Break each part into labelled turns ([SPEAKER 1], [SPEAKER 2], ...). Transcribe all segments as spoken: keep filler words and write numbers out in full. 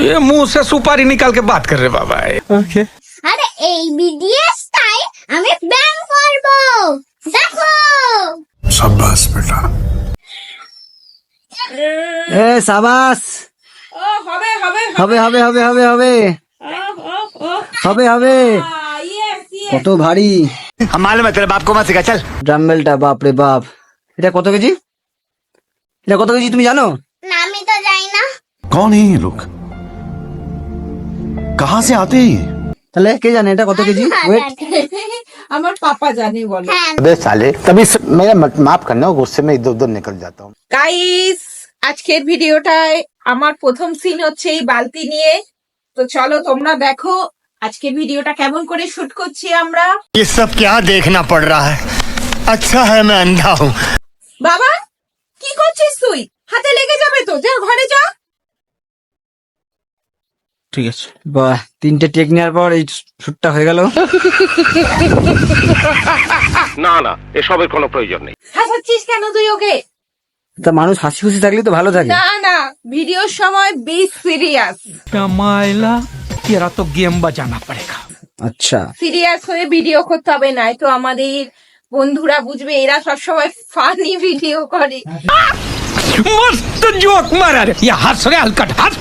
[SPEAKER 1] ये मुंह से सुपारी निकाल के बात कर रहे बाबा।
[SPEAKER 2] ওকে
[SPEAKER 3] আরে এই বিডিএসটাই আমি ব্যান করব, দেখো।
[SPEAKER 4] शाबाश बेटा।
[SPEAKER 2] এ সাবাস
[SPEAKER 5] ও হবে হবে
[SPEAKER 2] হবে হবে হবে হবে হবে হবে হবে
[SPEAKER 5] ইয়েস ইয়েস
[SPEAKER 2] কত ভারী
[SPEAKER 1] हम मालूम है तेरे बाप को मत सिखा चल।
[SPEAKER 2] ড্রামবেলটা, বাপ রে বাপ। এটা কত কেজি? এটা কত কেজি তুমি জানো?
[SPEAKER 3] না আমি তো জানি না।
[SPEAKER 4] कौन है ये लोग? कहाँ से आते हैं ये?
[SPEAKER 2] তাহলে কে জানে এটা কত কেজি? ওয়েট
[SPEAKER 5] আমার পাপা জানে বলো।
[SPEAKER 3] হ্যাঁ
[SPEAKER 6] अबे साले तभी स- मेरा मत- माफ करना गुस्से में इधर उधर निकल जाता हूँ।
[SPEAKER 5] গাইস আজকের ভিডিওটায় আমার প্রথম সিন হচ্ছে এই বালতি নিয়ে। তো চলো তোমরা দেখো আজকের ভিডিওটা কেমন করে শুট করছি আমরা।
[SPEAKER 7] ये सब क्या देखना पड़ रहा है? अच्छा है मैं अंधा हूँ।
[SPEAKER 5] বাবা কি করছিস তুই? হাতে লেগে যাবে তো, যা ঘরে যা।
[SPEAKER 2] ঠিক আছে। বাহ, তিনটে টেক নেওয়ার পর এই শুটটা হয়ে গেল।
[SPEAKER 8] না না এসবের কোনো প্রয়োজন নেই।
[SPEAKER 5] হাসাচ্ছিস কেন তুই ওকে?
[SPEAKER 2] তা মানুষ হাসি খুশি থাকলে তো ভালো থাকে।
[SPEAKER 5] না না ভিডিওর সময় বি সিরিয়াস।
[SPEAKER 1] मायला तेरा तो गेम बजाना पड़ेगा।
[SPEAKER 2] আচ্ছা
[SPEAKER 5] সিরিয়াস হয়ে ভিডিও করতে হবে, নাই তো আমাদের বন্ধুরা বুঝবে এরা সবসময় ফানি ভিডিও করে।
[SPEAKER 1] मस्त जोक मारा रे। ये हंस रे हलकट हंस।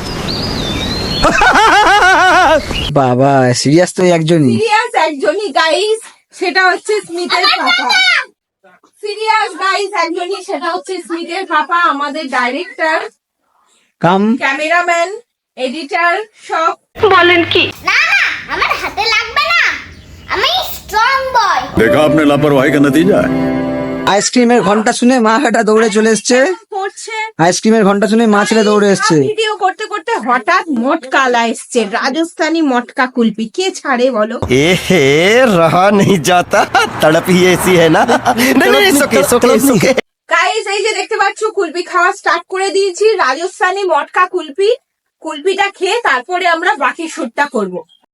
[SPEAKER 2] বাবা, সিরিয়াস তো এই একজনই।
[SPEAKER 5] সিরিয়াস একজনই গাইস, সেটা হচ্ছে স্মিথের পাপা। সিরিয়াস গাইস একজনই, সেটা হচ্ছে স্মিথের পাপা, আমাদের ডাইরেক্টর,
[SPEAKER 2] কাম
[SPEAKER 5] ক্যামেরাম্যান, এডিটর সব।
[SPEAKER 3] না না আমার হাতে লাগবে না, আমি স্ট্রং বয়।
[SPEAKER 4] देखा आपने लापरवाही का नतीजा है।
[SPEAKER 2] আইসক্রিমের ঘন্টা শুনে মা বেটা দৌড়ে চলে এসছে।
[SPEAKER 5] করছে
[SPEAKER 2] আইসক্রিমের ঘন্টা শুনে মা ছেলে দৌড়ে এসছে।
[SPEAKER 5] ভিডিও করতে করতে হঠাৎ মটকালা এসছে, রাজস্থানী মটকা কুলপি। কে ছাড়ে বলো?
[SPEAKER 7] ए हे रहा नहीं जाता, तड़प ही ऐसी है ना। नहीं नहीं सुके सुके सुके।
[SPEAKER 5] গাইস এই যে দেখতে পাচ্ছ কুলপি খাওয়া স্টার্ট করে দিয়েছি, রাজস্থানী মটকা কুলপি। কুলপিটা খেয়ে তারপরে আমরা বাকি শুটটা করব।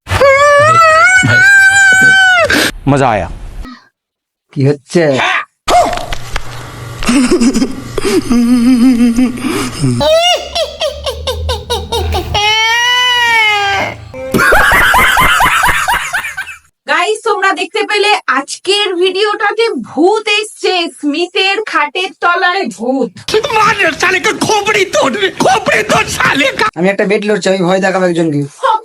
[SPEAKER 8] मजा आया।
[SPEAKER 2] কি হচ্ছে?
[SPEAKER 5] গাইস তোমরা দেখতে পেলে আজকের ভিডিওটাতে ভূত এসছে, স্মিথের খাটের তলায় ভূত।
[SPEAKER 1] मार साले का खोपड़ी तोड़ खोपड़ी तोड़ साले का।
[SPEAKER 2] আমি একটা বেট লড়ছি, আমি ভয় দেখাবো একজনকে।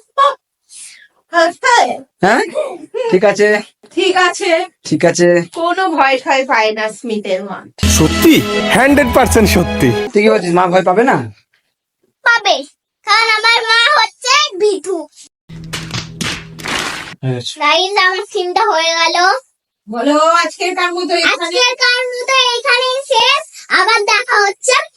[SPEAKER 2] হ্যাঁ ঠিক আছে
[SPEAKER 5] ঠিক আছে,
[SPEAKER 2] ঠিক আছে
[SPEAKER 5] কোনো ভয় ঠয় পায় না স্মিথের মা।
[SPEAKER 7] সত্যি হান্ড্রেড পার্সেন্ট সত্যি।
[SPEAKER 2] তুই কি বলছিস? মা ভয় পাবে না?
[SPEAKER 3] পাবে, কারণ আমার মা হচ্ছে ভিটু। গাইস আমার সিনটা হয়ে গেল।
[SPEAKER 5] বলো আজকের কার মতো এখানে
[SPEAKER 3] আজকের কারণ তো এইখানেই শেষ, আবার দেখা হচ্ছে